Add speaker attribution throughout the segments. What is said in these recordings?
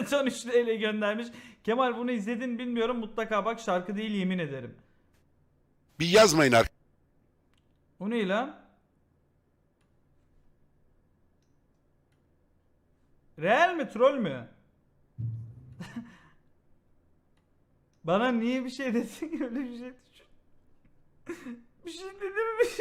Speaker 1: Can 3 TL göndermiş. Kemal bunu izledin bilmiyorum, mutlaka bak, şarkı değil yemin ederim.
Speaker 2: Bir yazmayın arkadaşlar.
Speaker 1: O ne lan? Real mi troll mü? Bana niye bir şey dedin, öyle bir şey düşün. Bir şey dedim mi?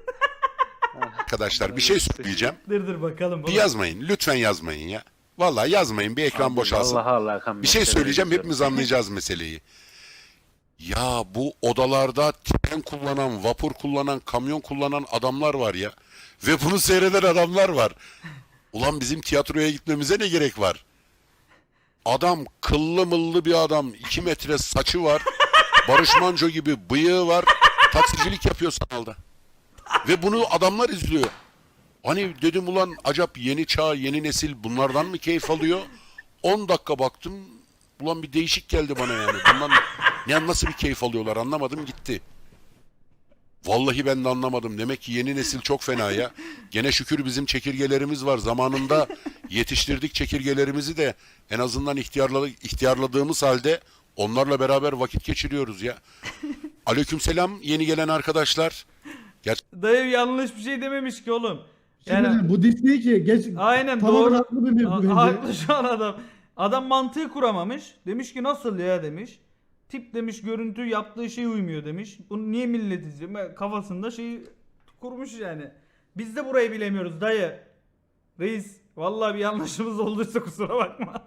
Speaker 2: Bir şey söyleyeceğim.
Speaker 1: Dur bakalım.
Speaker 2: Bir yazmayın. Lütfen yazmayın ya. Vallahi yazmayın. Bir ekran boşalsın. Bir şey söyleyeceğim. Hepimiz anlayacağız meseleyi. Ya bu odalarda tren kullanan, vapur kullanan, kamyon kullanan adamlar var ya. Ve bunu seyreden adamlar var. Ulan bizim tiyatroya gitmemize ne gerek var? Adam kıllı mıllı bir adam. 2 metre saçı var. Barış Manço gibi bıyığı var. Taksicilik yapıyor sanalda. Ve bunu adamlar izliyor. Hani dedim ulan acaba yeni çağ, yeni nesil bunlardan mı keyif alıyor? 10 dakika baktım. Ulan bir değişik geldi bana yani. Bundan nasıl bir keyif alıyorlar anlamadım gitti. Vallahi ben de anlamadım. Demek ki yeni nesil çok fena ya. Gene şükür bizim çekirgelerimiz var. Zamanında yetiştirdik çekirgelerimizi de en azından ihtiyarladığımız halde onlarla beraber vakit geçiriyoruz ya. Aleykümselam yeni gelen arkadaşlar.
Speaker 1: Dayı yanlış bir şey dememiş ki oğlum.
Speaker 3: Şimdi bu diss değil ki. Geç,
Speaker 1: Aynen
Speaker 3: tamamen
Speaker 1: doğru.
Speaker 3: haklı bir mevzu bence.
Speaker 1: Haklı şu an adam. Adam mantığı kuramamış. Demiş ki nasıl ya demiş. Tip demiş, görüntü yaptığı şey uymuyor demiş. Bunu niye millet izliyor? Kafasında şeyi kurmuş yani. Biz de burayı bilemiyoruz dayı. Reis vallahi bir yanlışımız olduysa kusura bakma.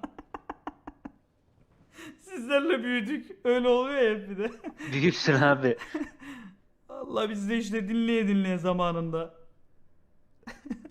Speaker 1: Sizlerle büyüdük. Öyle oluyor ya hep bir de.
Speaker 4: Büyüksün abi.
Speaker 1: Allah biz de işte dinleye dinleye zamanında.